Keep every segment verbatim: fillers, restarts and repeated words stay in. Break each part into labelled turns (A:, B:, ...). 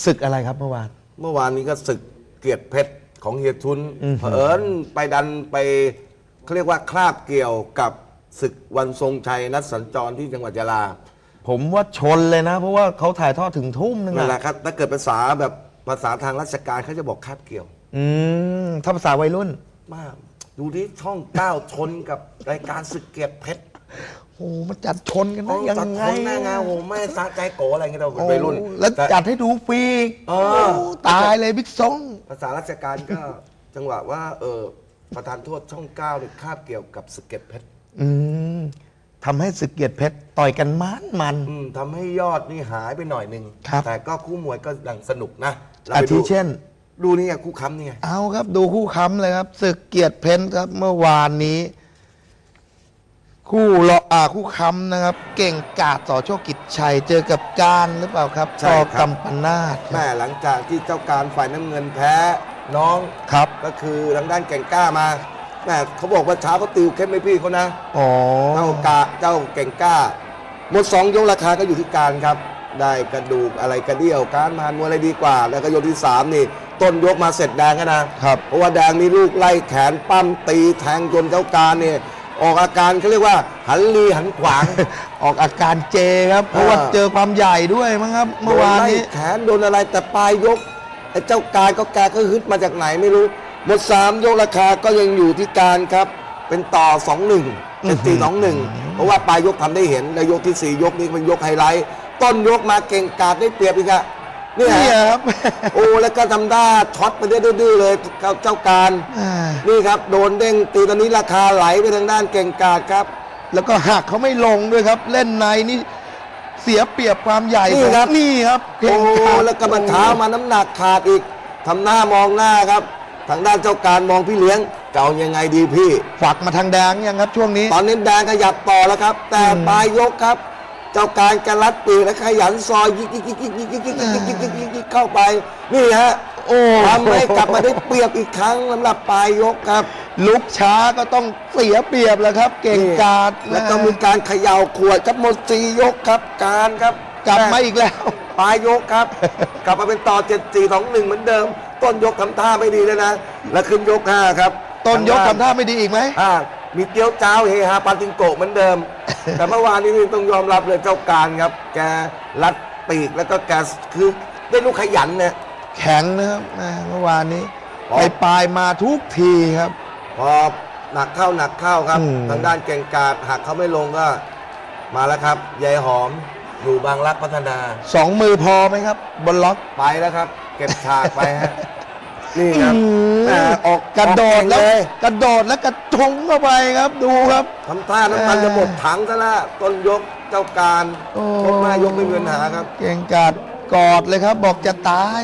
A: ศึกอะไรครับเมื่อวาน
B: เมื่อวานนี้ก็ศึกเกียรติเพชรของเฮียทุนเผอิญไปดันไปเขาเรียกว่าคราบเกี่ยวกับศึกวันทรงชัยนัดสัญจรที่จังหวัดยะลา
A: ผมว่าชนเลยนะ เพราะว่าเขาถ่ายทอดถึงทุ่มนึง
B: นั่นแหละครับถ้าเกิดภาษาแบบภาษาทางราชการเขาจะบอกคาบเกี่ยว
A: อืมถ้าภาษาวัยรุ่น
B: มากดูที่ช่องเก้าชนกับรายการศึกเกียรติเพชร
A: โอ้มันจัดชนกันได้ยังไง
B: หน้างานโอ้ไม่สะใจโกอะไรเงี้ยเราวัยรุ่น
A: แล้วจัดให้ดูฟรีตายเลยบิ๊กซอง
B: ภาษาราชการก็จังหวะว่าเออประธานโทษช่องเก้าเนี่ยคาบเกี่ยวกับศึกเกียรติเพชร
A: อืมทำให้ศึกเกียรติเพชรต่อยกันมันมัน
B: ทำให้ยอดนี่หายไปหน่อยนึงแต่ก็คู่มวยก็ดังสนุกนะ
A: อาทิเช่น
B: ดูนี่ไงคู่ค้ำนี่ไง
A: เอาครับดูคู่ค้ำเลยครับศึกเกียรติเพชรครับเมื่อวานนี้คู่รออาคู่ค้ำนะครับเก่งกาจต่อโชคกิจชัยเจอกับการหรือเปล่าครับต่อกำปนาท
B: แม่หลังจากที่เจ้าการฝ่ายน้ำเงินแพ้น้อง
A: ครับ
B: ก็คือทางด้านแก่งกล้ามาแม่เขาบอกว่าเช้าเขาติวเข้มไม่พี่เขานะ
A: อ๋อ
B: เจ้ากาเจ้าแก่งกล้าหมดสองยกราคาก็อยู่ที่การครับได้กระดูกอะไรกระเดี่ยวการมามวยอะไรดีกว่าแล้วก็ยกที่สามนี่ต้นยกมาเสร็จแดงกันนะครับเพราะว่าแดงมีลูกไล่แขนปั้มตีแทงจนเจ้าการเนี่ยออกอาการเขาเรียกว่าหันลีหันขวาง
A: ออกอาการเจครับเพราะว่าเจอความใหญ่ด้วยมั้งครับเมื่อวานนี้
B: แขนโดนอะไรแต่ปลายยกไอ้เจ้าการก็แกก็ฮึดมาจากไหนไม่รู้หมดสามยกราคาก็ยังอยู่ที่การครับเป็นต่อสองหนึ่งเป็นตีสองหนึ่งเพราะว่าปลายยกทำได้เห็นในยกที่สี่ยกนี้เป็นยกไฮไลท์ต้นยกมาเก่งกาจได้เปรียบอีกอะนี่
A: ครับ
B: โอ้แล้วก็ทำได้ช็อตไปได้ดื้อเลยเจ้าการนี่ครับโดนเด้งตีตอนนี้ราคาไหลไปทางด้านเก่งกาจครับ
A: แล้วก็หักเขาไม่ลงด้วยครับเล่นในนี่เสียเปรียบความใหญ่
B: นี่ครับ
A: นี่ครับ
B: โอ้แล้วก็มาเท้ามาน้ำหนักขาดอีกทำหน้ามองหน้าครับทางด้านเจ้าการมองพี่เลี้ยงเก่ายังไงดีพี่
A: ฝักมาทางแดงยังครับช่วงนี้
B: ตอนนี้แดงขยับต่อแล้วครับแต่ปลายยกครับเจ้าการกระลัดปีกและขยันซอยยิกยิกยิกยิกยิกยิกยิกยิกยิกยิกยิกยิกเข้าไปนี่ฮะโอ้ทำให้กลับมาได้เปรียบอีกครั้งสำหรับปลายยกครับ
A: ลุกช้าก็ต้องเสียเปรียบแล้วครับเก่งกาจ
B: แล้วก็มีการเขย่าขวดครับหมดสี่ยกครับการครับ
A: กลับมาอีกแล้ว
B: ปลายยกครับกลับมาเป็นต่อเจ็ดสี่สองหนึ่งเหมือนเดิมต้นยกทำท่าไม่ดีแล้วนะแล้วขึ้นยกห้าครับ
A: ต้นยกทำท่าไม่ดีอีกไหม
B: อ่ามีเตี้ยวเจ้าเฮฮาปาติงโกะเหมือนเดิมแต่เมื่อวานนี้ต้องยอมรับเลยเจ้าการครับแกรัดปีกแล้วก็แกคือได้ลูกขยันเนี่ย
A: แข็งนะครับเมื่อวานนี้ไปปลายมาทุกทีครับ
B: พอหนักเข้าหนักเข้าครับทางด้านเก่งกาจหักเขาไม่ลงก็มาแล้วครับยายหอมอยู่บางรักพัฒนา
A: สองมือพอไหมครับบนล็อก
B: ไปแล้วครับเก็บฉากไปฮะนี่ครับ
A: ออกกระโดดแล้วกระโดดแล้วกระทงเข้าไปครับดูครับ
B: ทำท่าน้ำมันจะหมดถังซะแล้วต้นยกเจ้าการยกหน้ายกไม่มีปัญหาครับ
A: เก่งกาจกอดเลยครับบอกจะตาย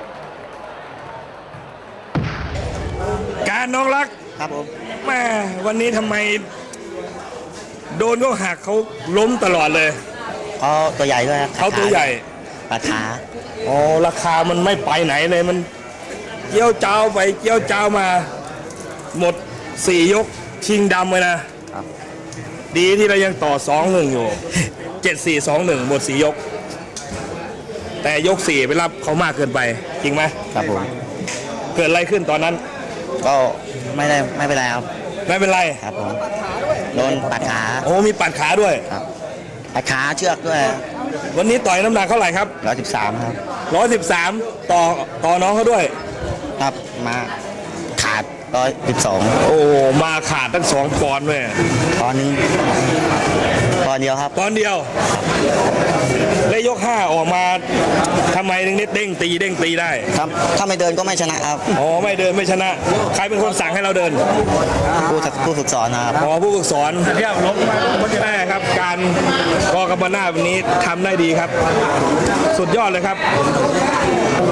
C: การน้องรัก
D: ครับผม
C: แม่วันนี้ทำไมโดนก็หักเขาล้มตลอดเลย
D: เขาตัวใหญ่ด้วย
C: เขาตัวใหญ่
D: ราคา
C: อ๋อราคามันไม่ไปไหนเลยมันเกี้ยวเจ้าไปเกี้ยวเจ้ามาหมดสี่ยกชิงดำเลยนะดีที่เรายังต่อสองหนึ่งอยู่เจ็ดสี่สองหนึ่งหมดสี่ยกแต่ยกสี่ไปรับเขามากเกินไปจริงไหม
D: ครับผม
C: เกิดอะไรขึ้นตอนนั้น
D: ก็ไม่ได้ไม่เป็นไรครับ
C: ไม่เป็นไร
D: ครับผมโดนปัดขา
C: โอ้มีปัดขาด้วย
D: ครับปัดขาเชือกด้วย
C: วันนี้ต่อยน้ำหนักเท่าไหร่ครับ
D: ร้อยสิบสามครับ
C: ร้อยสิบสามต่อต่อน้องเขาด้วย
D: ครับมาขาดร้อยสิบสอง
C: โอ้มาขาดตั้งสองปอนด์เลย
D: ตอนนี้ตอนเดียวครับ
C: ตอนเดียวได้ยกห้าออกมาทำไมถึงได้เด้งตีเด้งตีได้
D: ครับถ้าไม่เดินก็ไม่ชนะครับ
C: อ๋อไม่เดินไม่ชนะใครเป็นคนสั่งให้เราเดิน
D: ผู้ผู้ฝึกสอนครับ
C: อ๋อผู้ฝึกสอนเทียบล้มแม่ครับการกอกำปนาทวันนี้ทำได้ดีครับสุดยอดเลยครับโอ้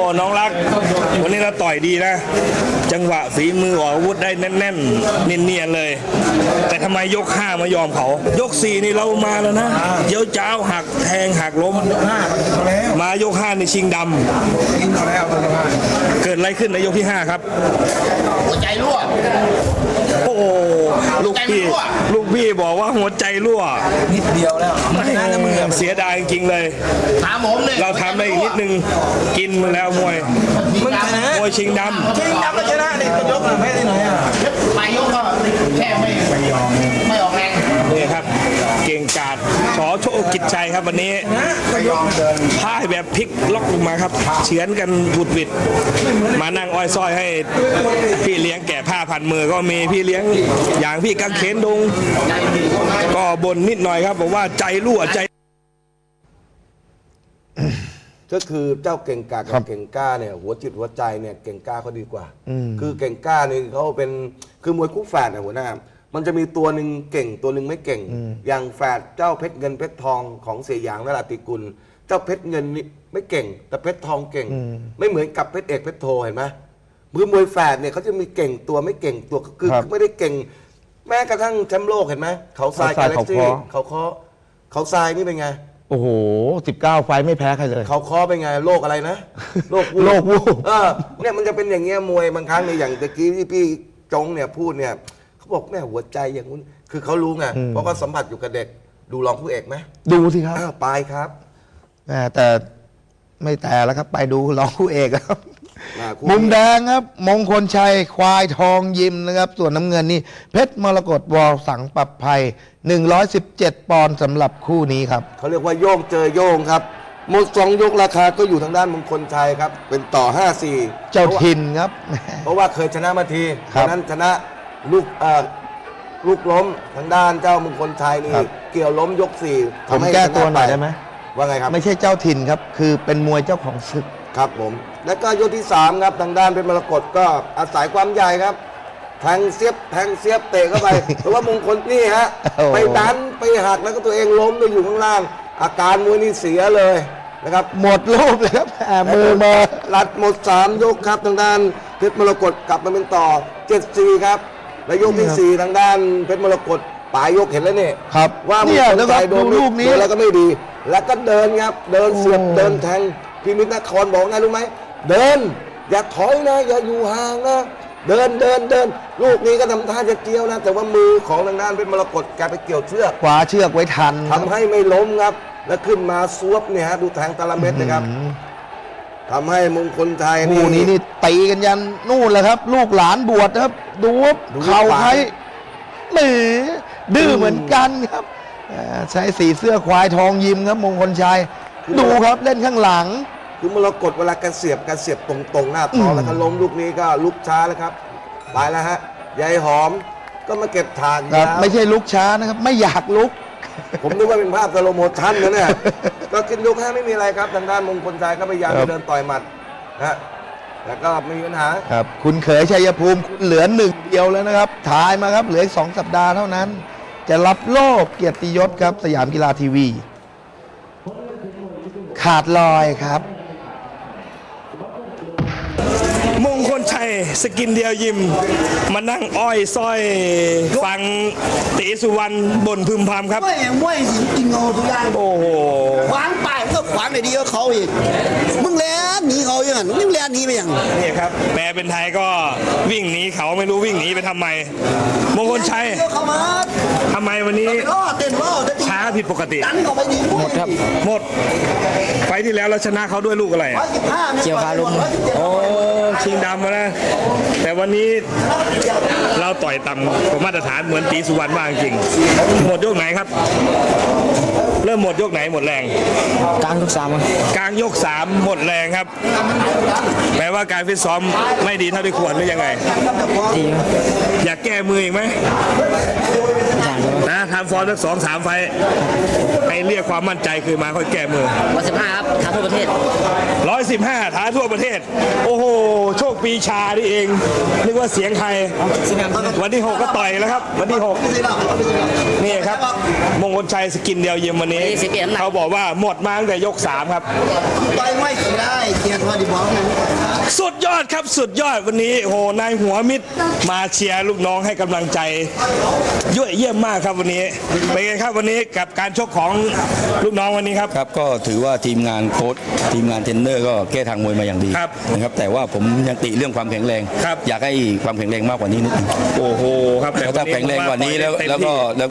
C: น้องรัก วันนี้เราต่อยดีนะ จังหวะฝีมือออกอาวุธได้แน่นๆเนียนๆเลย แต่ทำไมยกห้ามายอมเขา ยกสี่นี่เรามาแล้วนะเดี๋ยวเจ้าหักแทงหักล้ม มายกห้าในชิงดำเกิดอะไรขึ้นในยกที่ห้าครับ
E: หัวใจรั่ว
C: โอ้โหลูกพี่ลูกพี่บอกว่าหัวใจรั่ว
E: นิดเดียวแล้วไม่น่าจะมือ
C: เสียดายจริงๆเลย
E: ถามผมเลย
C: เราทำได้อีกนิดนึงกินมาแล้วมวย
E: มึงชนะ
C: มวยชิงดำ
E: ชิงดำก็ชนะนี่ยกแพ้ได้หน่อยอ่ะไปยกก็แค่ไม่ไม่ยอมไม่ออกแรง
C: นี่ครับ เก่งกาจชอโชคกิจชัยครับวันนี้พ่ายแบบพลิกล็อกลงมาครับเฉือนกันบุดวิดมานั่งอ้อยซ้อยให้พี่เลี้ยงแก่ผ้าพันมือก็มีพี่เลี้ยงอย่างพี่กังเขนดง ก็บ่นนิดหน่อยครับบอกว่าใจรั่วใจ
B: ก็คือเจ้าเก่งกาจกับเก่งกล้าเนี่ยหัวจิตหัวใจเนี่ยเก่งกล้าเขาดีกว่า คือเก่งกล้านี่เขาเป็นคือมวยคู่แฝดนะหัวหน้ามันจะมีตัวหนึ่งเก่งตัวหนึ่งไม่เก่ง อย่างแฝดเจ้าเพชรเงินเพชรทองของเสียหยางนราติกุล เจ้าเพชรเงินนี่ไม่เก่ง แต่เพชรทองเก่ง ไม่เหมือนกับเพชรเอกเพชรโทเห็นไหมมือมวยแฝดเนี่ยเขาจะมีเก่งตัวไม่เก่งตัวคือไม่ได้เก่ง แม้กระทั่งแชมป์โลกเห็นไหมเขาทรายกาแล็กซี่เขาเคาะเขาทรายนี่เป็นไง
A: โอ้โหสิบเก้าไฟล์ไม่แพ้ใครเลย
B: เขาเคอเป็นไงโรคอะไรนะโรค
A: โรควูบ
B: เออเนี่ยมันจะเป็นอย่างเงี้ยมวยบางครั้งในยอย่างตะกี้ที่พี่จงเนี่ยพูดเนี่ยเขาบอกแม่หัวใจอย่างนู้นคือเขารู้ไงเพราะเขาสัมผัสอยู่กับเด็กดูรองผู้เอกไหม
A: ดูสิครับ
B: อ้าวไปครับ
A: แหม่แต่ไม่แต่แล้วครับไปดูรองคู่เอกครับ
B: อ่าคู่
A: มุมแดงครับ มงคลชัยควายทองยิมนะครับ ส่วนน้ำเงินนี่เพชรมรกตวอสังปรับภัยหนึ่งร้อยสิบเจ็ดปอนด์สำหรับคู่นี้ครับ
B: เขาเรียกว่าโยงเจอโยงครับหมดสองยกราคาก็อยู่ทางด้านมงคลชัยครับเป็นต่อ ห้าสี่
A: เจ้าถิ่นครับ
B: เพราะว่าเคยชนะมาที
A: ครับ
B: ฉะนั้นชนะลูกเอ่อลูกล้มทางด้านเจ้ามงคลชัยนี่
A: ครับ
B: เกี่ยวล้มยกสี่
A: ผม
B: ทำให้
A: แก้ตัว
B: ชะ
A: หน่อย
B: ป
A: ได้ไหม
B: ว่าไงครับ
A: ไม่ใช่เจ้าถิ่นครับ คือเป็นมวยเจ้าของศึก
B: ครับผม แล้วก็ยกที่สามครับทางด้านเป็นมรกตก็อาศัยความใหญ่ครับแทงเสียบแทงเสียบเตะเข้าไป เพราะว่ามงคลนี่ฮะ
A: โอ้โห
B: ไปดันไปหักแล้วก็ตัวเองล้มไปอยู่ข้างล่าง อาการมวยนี่เสียเลยนะครับ
A: หมดรูปเลยครับแหม่มือมา
B: ลัดหมดสามยกครับทางด้านเพชรมรกตกลับมาเป็นต่อเจ็ดสี่ครับและยกที่สี่ทางด้านเพชรมรกตปลายยกเห็นแล้วเนี่ย
A: ครับ
B: ว่ามง
A: เนี่ย
B: คล
A: แล้วก็
B: ชัยโด
A: ดู
B: น
A: ลูกนี้
B: โดนแล้วก็ไม่ดี แล้วก็เดินครับเดินเสียบ
A: โอ้
B: เดินแทงพิมิตนครบอกไงรู้ไหมเดิน อย่าถอยนะอย่าอยู่ห่างนะเดินเดินเดินลูกนี้ก็ทำท่าจะเกี่ยวนะ แต่ว่ามือของทางด้านเป็นมรกตแกไปเกี่ยวเชือก
A: ขวาเชือกไว้ทันค
B: ทำ
A: รับ
B: ให้ไม่ล้มครับ แล้วขึ้นมาซวบเนี่ยฮะดูแทงตะละเม็ดนะครับทำให้มงคลชัย
A: คู่นี้นี่ตีกันยันนู่นแหละครับ ลูกหลานบวชนะครับ ดูว่า
B: ดู
A: เข่า
B: ขวา
A: ใครหมือดื้อเหมือนกันครับอ่าใช้สีเสื้อควายทองยิมครับมงคลชัย ดูครับเล่นข้างหลัง
B: คือมรกตเวลาการเสียบการเสียบตรงๆ หน้าท้อง
A: อืม
B: แล้วก็ล้มลูกนี้ก็ลุกช้าแล้วครับไปแล้วฮะยายหอมก็มาเก็บถาด
A: ครับ
B: ยาว
A: ไม่ใช่ลุกช้านะครับ ไม่อยากลุก
B: ผมนึกว่าเป็นภาพสโลโมชั่นนะเนี่ย ก็ขึ้นยกห้าไม่มีอะไรครับทางด้านมงคลชัยก็พยายาม
A: ครับ
B: จะเดินต่อยหมัดนะฮะแล้วก็ไม่มีปัญหา
A: ครับ คุณเขยชัยภูมิคุณเหลือหนึ่งเดียวแล้วนะครับถ่ายมาครับเหลืออีกสองสัปดาห์เท่านั้น จะรับโล่เกียรติยศครับสยามกีฬาทีวี ขาดลอยครับ
C: มงคลชัยสกินเดียวยิม มานั่งอ้อยซ้อยฟังตีสุวรรณบ่นพึมพำครับ
E: ไม่อย่างไม่สิกินเงาทุกอย่าง
C: โอ้โห
E: ขวางป่ายก็ขวางได้ดีกว่าเขาอีกมึงแล่นหนีเขาอย่างนั้นมึงแล่นหนีไปอย่าง
C: นี่ครับแปลเป็นไทยก็วิ่งหนีเขาไม่รู้วิ่งหนีไปทำไม มงคลชัย
E: เดี๋ยวเขามา
C: ทำไมวันนี้
E: ล่อเต้นล่อเต้น
C: ช้าผิดปกติ
E: ดันเข้าไปดีหมดครับ
C: หมด ไฟล์ที่แล้วเราชนะเขาด้วยลูกอะไร
E: ร้อยสิบห้า
D: เกี่ยวคาลุม
C: โอ้ชิงดำมานะ แต่วันนี้เราต่อยต่ำกว่ามาตรฐานเหมือนตีสุวรรณมากจริง หมดยกไหนครับ เริ่มหมดยกไหนหมดแรง
D: กลางทุกสามครับ
C: กลางยกสามหมดแรงครับ แปลว่าการฟิตซ้อมไม่ดีเท่าที่ควรหรือยังไง
D: ดีครับ
C: อยากแก้มืออีกไหม
D: อย่างครับ
C: นะทำฟอร์มสักสองสามไฟล์ให้เรียกความมั่นใจคือมาค่อยแก้มือ
D: ร้อยสิบห้าครับท้าทั่วประเทศ
C: ร้อยสิบห้าท้าทั่วประเทศ โอ้โห โชคปีชานี่เองนึกว่าเสียงใครวันที่หกก็ต่อยแล้วครับวันที่หกนี่ครับมงคลชัยสกินเดียวเยี่ยมวันนี้เขาบอกว่าหมดมาตั้งแต่ยกสามครับ
E: ต่อยไม่ได้เกียรติว่าดีบอกนั้น
C: สุดยอดครับสุดยอดวันนี้โอ้โหนายหัวมิตรมาเชียร์ลูกน้องให้กำลังใจเยอะเยี่ยมมากครับวันนี้เป็นไงครับวันนี้กับการชกของลูกน้องวันนี้ครับ
F: ครับก็ถือว่าทีมงานโค้ชทีมงานเทรนเนอร์ก็แก้ทางมวยมาอย่างดี
C: ครับ
F: นะครับแต่ว่าผมยังติเรื่องความแข็งแรง
C: ครับ
F: อยากให้ความแข็งแรงมากกว่านี้นิดนึง
C: โอ้โหครับ
F: แล้วถ้าแข็งแรงกว่านี้แล้ว
C: เต็มที่
F: แล้วก็แล้ว